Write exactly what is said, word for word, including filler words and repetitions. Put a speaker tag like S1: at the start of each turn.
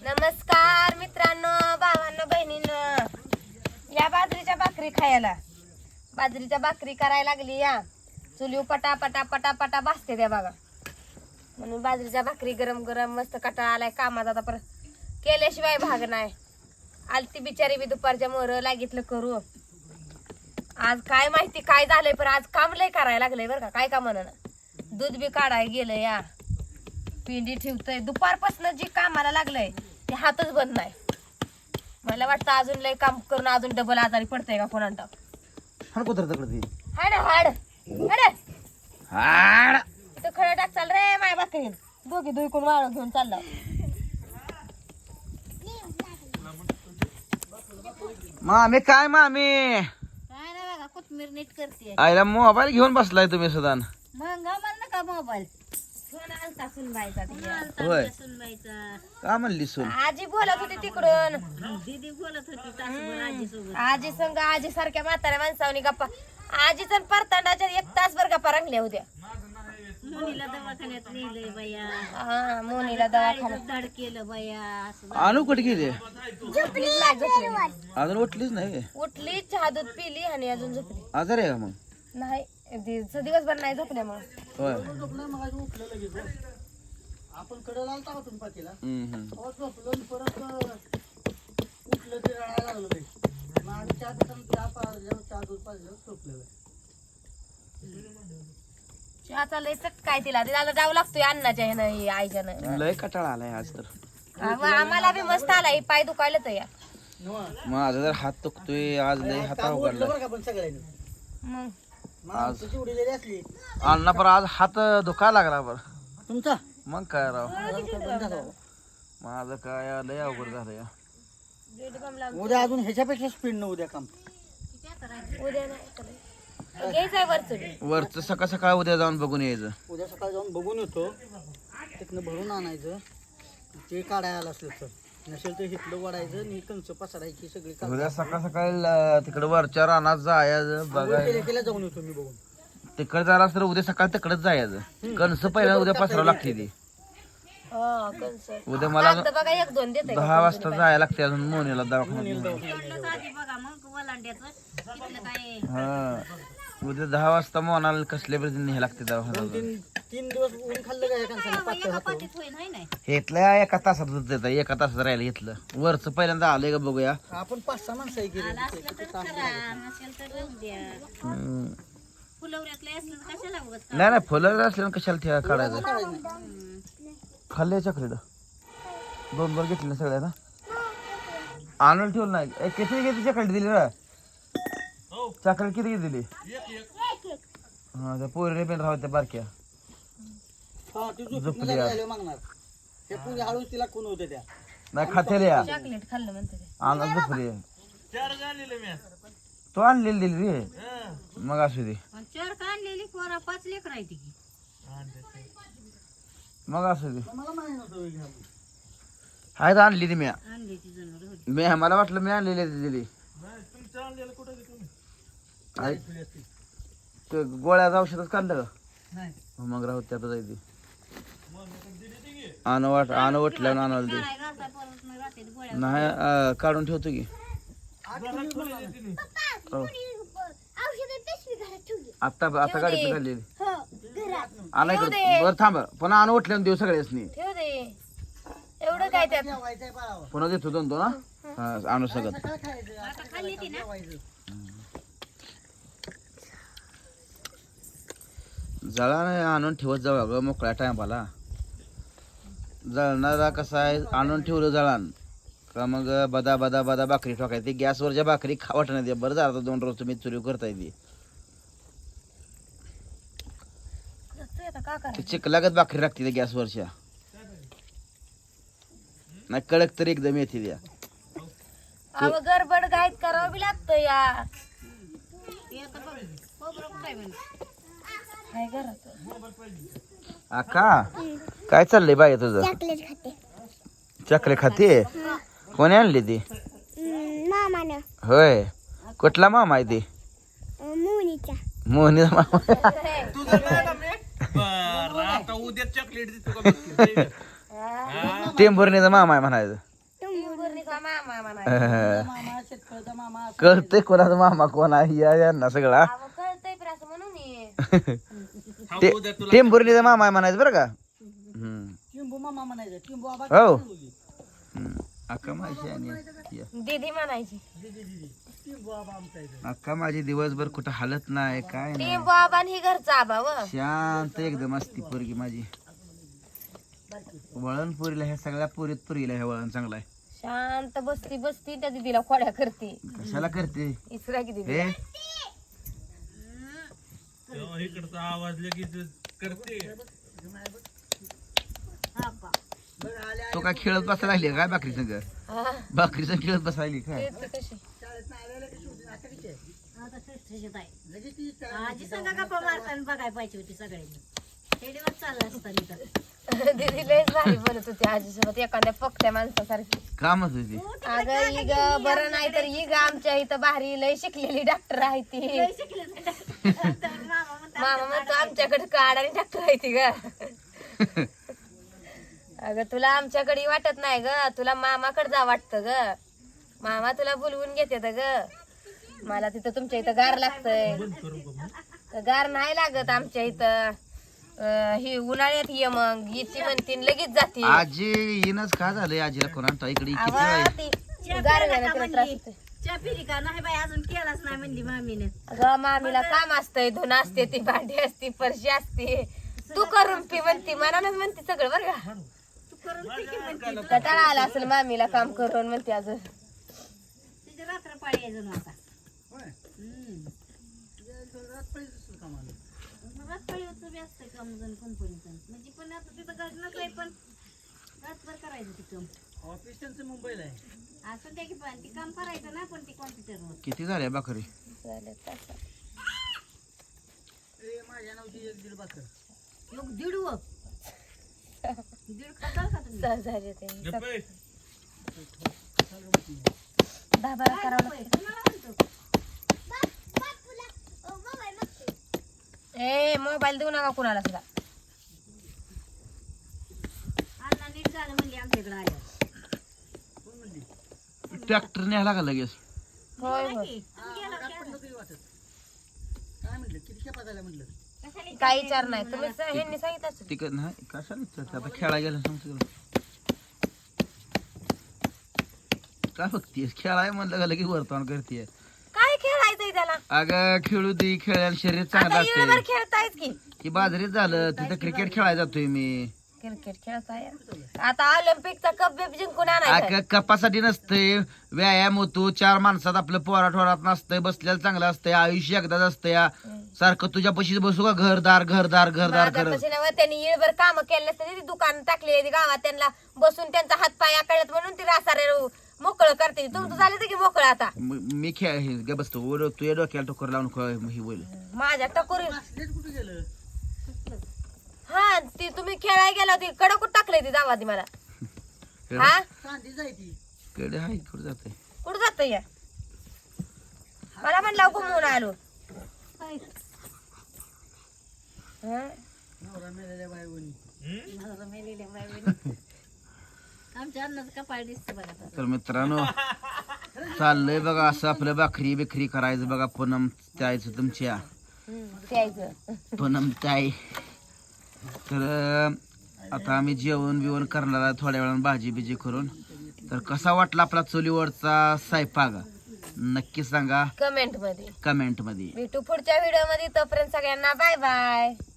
S1: नमस्कार मित्रांनो, भावांनो, बहिणींनो, या बाजरीच्या भाकरी खायला. बाजरीच्या भाकरी करायला लागली या चुलीव पटा पटा पटा पटा भाजते त्या बघा. म्हणून बाजरीच्या भाकरी गरम गरम मस्त कटाळा आलाय कामात, आता परत केल्याशिवाय भाग नाही. आलती बिचारी बी दुपारच्या मोर लागितलं करू. आज काय माहिती काय झालंय, पण आज काम लय करायला लागलंय बरं का. काय का म्हणा, दूध बी काढाय गेलं या, पिंडी ठेवतय. दुपारपासून जी कामाला लागलंय ते हातच बंद नाही. मला वाटतं अजून लय काम करून अजून डबल आजारी पडतंय का कोणाला.
S2: हाड कुत्र तकडे
S1: हाड हाड हाड
S2: हाड
S1: तो खडा टाक चाल रे माय भाकरीन. दोघी दुईकून वाळ घेऊन चालला.
S2: मामी काय मामी
S3: काय नाही बघा, कोथमीर नीट करते.
S2: आईला मोबाईल घेऊन बसलाय तुम्ही सुद्धा.
S3: मग मला नका मोबाईल
S1: फोन आलता सुनबाईचा तिच्या.
S2: होय.
S3: सुनबाईचा.
S2: का म्हणली सून?
S1: आजी बोलत होती तिकडून.
S3: दीदी बोलत होती तासभर आजी सोबत.
S1: आजी संग आजी सारख्या म्हाताऱ्या माणसावनी गप्पा. आजीचा परतांडाच्या एक तासभर गप्पा रंगल्या होत्या.
S3: मुलीला दवाखान्यात नेलंय बाया,
S1: हा मोनीला दवाखान्यात.
S3: धड केलं बाया. असं
S2: आणू कुठे गेली?
S1: झोपलीच नाही, झोपली
S2: अजून उठलीच नाही.
S1: उठली, चहा दूध पिली आणि अजून झोपली
S2: आजार आहे का मग?
S1: नाही. दि- दिवसभर नाही झोपल्या मग.
S2: होय.
S4: आपण कडे लावता होतो पातीला
S2: हम्म, हम्म.
S4: झोपलो परत उठलं ते रडायला लागलं ते. मग आम्ही चहा पिताना चहा पाजल्यावर चहा दूध पाजल्यावर झोपलेलं.
S1: चहाचा लय काय तिला तिला जावं लागतोय अन्नाच्या ह्यानं आईच्यानं.
S2: लय कटाळा आलाय आज तर.
S1: आम- आम्हाला बी मस्त आलाय, पाय दुखायला तर या
S2: माझा जर हात दुखतोय आज, लय हात
S4: काम उठलं
S2: उघडला.
S4: बरं का पण सगळ्यांनी.
S1: मग.
S4: माणसाची उडलेली असली
S2: अण्णा पर आज हात दुखायला लागला बर.
S4: तुमचा
S2: मग काय राव,
S4: बंद झाला बाबा.
S2: माझं काय लय अवघड झालं या.
S1: दीड बम लावून
S4: उद्या अजून ह्याच्यापेक्षा स्पीड न उद्या काम.
S1: उद्या नाही करायचं. घ्यायचंय वरचं.
S2: वरच सकाळ सकाळ उद्या जाऊन बघून यायचं.
S4: उद्या सकाळी जाऊन बघून येतो, तिथनं भरून आणायचं. ते काढायला आलं असलं तर, नसेल तर हिथलं वाढायचं आणि कंच पसरायची सगळी काम.
S2: उद्या सकाळ सकाळी तिकडे वरच्या रानात जायचं बघायचं.
S4: केल्या केल्या जाऊन येतो मी बघून.
S2: तिकडे जायला तर उद्या सकाळी तिकडेच जायचं. कणस पहिला उद्या पसरावं लागते ती.
S1: हा, कंस.
S2: उद्या मला
S1: कागद बघा एक दोन देते.
S2: दहा वाजता जायला लागते अजून मोनीला दवाखान्यात.
S3: तेवढंच आधी बघा मग वलांड्याचं तिथलं काय.
S2: हा उद्या दहा वाजता मोनाला कसल्या बरे न्यायला लागते दवाखान्यात.
S4: तीन तीन दिवस ऊन खाल्लं काय कांसाने पातळ
S3: एका
S4: हातावर.
S3: पाठीत होईन हाय नाही.
S2: घेतलं एका तासात देत, एका तासात राहिलं घेतलं. वरच पहिल्यांदा आलंय का बघूया.
S4: आपण पाच सहा माणसं आहे गेली.
S3: आला असलं तर करा, नसेल तर राहू द्या.
S2: हम्म.
S3: फुलवऱ्यातलं असलं तर कशाला बघत.
S2: नाही नाही फुलं असल्यानं कशाला ठेवा काढायचं. खाल्ले चक्रीड दोन दोन घेतले ना सगळ्यांना. आणून ठेवलं नाही. ए, किती किती चॉकलेट दिली ना? चॉकलेट किती किती दिली? हा त्या पोरीने पण राहत त्या बारक्या.
S4: हा, ती झोपेतनं
S2: झोपली
S4: जागी
S2: आज.
S4: झाल्यावर मागणार. हे पुढे हळूच तिला खून होते त्या.
S2: नाही खातेले या
S1: चॉकलेट खाल्लं म्हणते ते.
S2: आणून झोपली. तो आणलेली दिली रे. मग असू दे,
S3: चार का आणलेली पोरा पाच लेकर आहे ती.
S2: मग असू दे.
S4: मला माहिती नव्हतं हे घ्या.
S2: हाय तर आणली ती मी.
S3: आणली ती जनावर होती.
S2: मी मला वाटलं मी आणलेली आहे ती दिली. आई, ते गोळ्याचं औषधच काढलं का?
S4: नाही.
S2: मग राहू त्यात जायची. आणू वाट आणू वाटलं आणायला दे.
S3: काय घालता परत नाही राहते गोळ्या.
S2: नाही अं, काढून ठेवतो की. हो. आता आता गाडीत काढलेली आणायकडे. बरं थांब, पुन्हा आणू वाटलं देऊ सगळ्यासनी.
S1: ठेव दे. एवढं काय त्यात.
S4: ठेवायचंय बाळावर.
S2: पुन्हा देतो दोन दोन हा. हा, आणू सगळं.
S4: काय खायचं?
S3: आता खाल्ली ती ना.
S4: ठेवायचं.
S2: जळा नाही आणून ठेवत जाऊ अगं मोकळ्या टायमाला. जळणारा कसा आहे, आणून ठेवलं जळान का मग बदा बदा बदा भाकरी ठोकायची. गॅसवरच्या भाकरी खावट नाही. बरं झालं दोन रोज तुम्ही चुरी करता येते.
S1: आता का
S2: ते
S1: करायचं.
S2: चिकलागत भाकरी लागते त्या गॅसवरच्या. नाही कडक तरी एकदम येते त्या.
S1: अहो गडबड घाईत करावं बी लागतं या.
S3: ते आता बघ खोबरं कुठं आहे म्हणे.
S1: काय घरात.
S2: आका काय चाललंय बाई तुझं?
S5: चॉकलेट खाते.
S2: चॉकलेट खाते? कोणी आणली ती?
S5: मामानं.
S2: होय. कुठला मामा आहे ती?
S5: मोनीचा.
S2: मोहनीचा मामा.
S1: हा.
S2: टेंभुर्णीचा मामा आहे म्हणायचं.
S1: मामा म्हणायचं.
S4: मामा शेतकऱ्याचा मामा असं
S2: कळतंय कोणाचा मामा कोण आहे या यांना सगळा
S1: अहो, कळतंय पण असं म्हणून ये.
S2: ते टेंभुर्णीचा मामा आहे म्हणायचं बरं का हम्म.
S4: टिंबू मामा म्हणायचं टिंबू आबा
S2: हो.
S4: बोलली.
S2: हम्म. अक्का माझी आणि या.
S1: दीदी म्हणायची.
S4: दीदी दीदी टिंबू आबा आमचा इथं.
S2: अक्का माझी दिवसभर कुठं हालत नाही काय नाही
S1: टिंबू आबा आणि ही घरचा आबा व
S2: शांत एकदम असती पोरगी माझी वळण पुरीला ह्या सगळ्या पुरीत पुरीला हे वळण चांगलं आहे
S1: शांत बसती बसती त्या दीदीला खोड्या करते.
S2: कशाला करते
S1: इसरा की दीदी.
S2: हे तो काय खेळत बसायला लागली काय बाकरी संग
S1: हा,
S2: बाकरी संग खेळत बसायली काय
S1: ते ती कशी.
S3: आता सुटसुटीत आहे. आजी सांगा गप्पा मारताना बघाय पाहिजे होती सगळ्यांनी. खेडीवर चाललं असतं तर.
S1: दीदी लयच भारी बोलत होती आजीसोबत एखाद्या फक्त्या माणसासारखी.
S2: कामच होती
S1: अगं ही ग बरं नाही तर ही ग आमच्या इथं भारी लय शिकलेली डॉक्टर आहे ती. मामा म्हणतो आमच्याकडे काढ आणि डॉक्टर आहे ती ग. अगं तुला आमच्याकडे वाटत नाही ग, तुला मामाकडे जा वाटतं ग. मामा तुला बोलवून घेते ग. मला तिथं तुमच्या इथं गार लागतंय. तर गार नाही लागत आमच्या इथं. अं, ही उन्हाळ्यात ये मग येते म्हणते लगेच जाते.
S2: आजी येणच का झालंय आजीला कोणा इकडे किती
S1: आवा,
S2: वेळ
S1: ती गार झालं तिला त्रास होतोय.
S3: च्या फिरी का नाही बाई अजून केलाच नाही म्हणली मामीने.
S1: अगं मामीला काम असतंय, धुन असते, ती भांडी असते, फरशी असते. तू करून पी म्हणती, मनानच म्हणते सगळं बरं का.
S3: तू करून पिकी म्हणते.
S1: कटाळा आला असेल मामीला काम करून म्हणते अजून.
S3: तिथे रात्र पाळी आहे जणू आता.
S4: होय.
S3: हम्म.
S4: तुझ्या रात पाहिजे दुसरं काम आलं.
S3: रात पाळी होतं बी असतंय काम जण कंपनीचं. म्हणजे पण आता तिथं घर नसलंय पण रातभर करायचं ती काम.
S4: ऑफिस त्यांचं मुंबईला आहे.
S3: असं त्या की पण ती काम करायचं ना पण ती कॉम्प्युटरवर.
S2: किती झाल्या बाकरी
S1: झालं तसं.
S4: ए, माझ्या नावची एक दीड बाकर.
S3: योग दीड व दीड खाताल का तुम्ही?
S1: सहज झाले ते. दहा बारा करावं लागतं.
S3: तुम्हाला म्हणतो.
S1: ए मोबाईल देऊ नका कुणाला सुद्धा.
S3: अण्णा नीट झालं म्हणली आमच्या इकडे आल्यावर.
S2: ट्रॅक्टर न्यायला का लगेच
S1: होय होय.
S3: की, तुम्ही गेला
S4: रात पडलं तरी वाटत. काय म्हटलं किती खेपा झाल्या म्हटलं.
S3: कशाला
S1: काही विचार नाही तुम्ही स- ह्यांनी सांगितलं असेल.
S2: तिकड नाही कशाला विचारते आता खेळा गेला सांगतो तुला काय बघतीये खेळाय म्हणलं का लगेच वर्तवण करते
S1: काय खेळायचंय त्याला.
S2: अगं खेळू दे खेळायला शरीर चांगलं
S1: आता इळभर
S2: असते
S1: खेळतायच की.
S2: की बाजारीत झालं तिथं क्रिकेट खेळायला जातोय मी
S1: क्रिकेट खेळताय आता ऑलिम्पिकचा कप बिप जिंकून आणायचा.
S2: अगं कपासाठी नसतंय व्यायाम होतो चार माणसात आपलं पोरा ठोरात नसतंय बसलेलं चांगलं असतंय आयुष्य एकदाच असतंय सारखं तुझ्या पशीच बसू का घरदार घरदार घरदार
S1: माझ्या
S2: करत
S1: पशीनावर त्यांनी इळभर काम केले असते ती दुकान टाकली ती गावात त्यांना बसून त्यांचा हात पाय आकळत म्हणून ती रासारे मोकळं करते. तुमचं झालं तर की मोकळं आता.
S2: म- मी खेळ हे गे बसतो ओढ तुझ्या डोक्याला टोकर लावून ख- हे बोल
S1: माझ्या टकोरी
S4: असलेच कुठे गेलं.
S1: हा ती तुम्ही खेळायला गेला होती कडकूट टाकले ती जावा ती मला. हा
S4: चांदी जाय ती.
S2: कडे हाय कुठं जाते
S1: कुठं जात या मला म्हणलं घुमवून आलो. हा?
S4: नवरा मेलेल्या बायकोनी.
S3: नवरा मेलेल्या बायकोनी. आमच्या अन्नाचं कपाळ दिसतं बघा आता.
S2: तर मित्रांनो चाललंय बघा असं आपलं भाकरी बिखरी करायचं बघा पूनम त्यायचं तुमच्या
S1: हम्म, प्यायचं.
S2: पूनम ताई तर अं, आता आम्ही जेवण बिवण करणार आहे थोड्या वेळानं भाजी बिजी करून. तर कसा वाटला आपला चुलीवरचा स्वयंपाक नक्की सांगा
S1: कमेंट मध्ये
S2: कमेंट मध्ये.
S1: भेटू पुढच्या व्हिडिओ मध्ये. तोपर्यंत सगळ्यांना बाय बाय.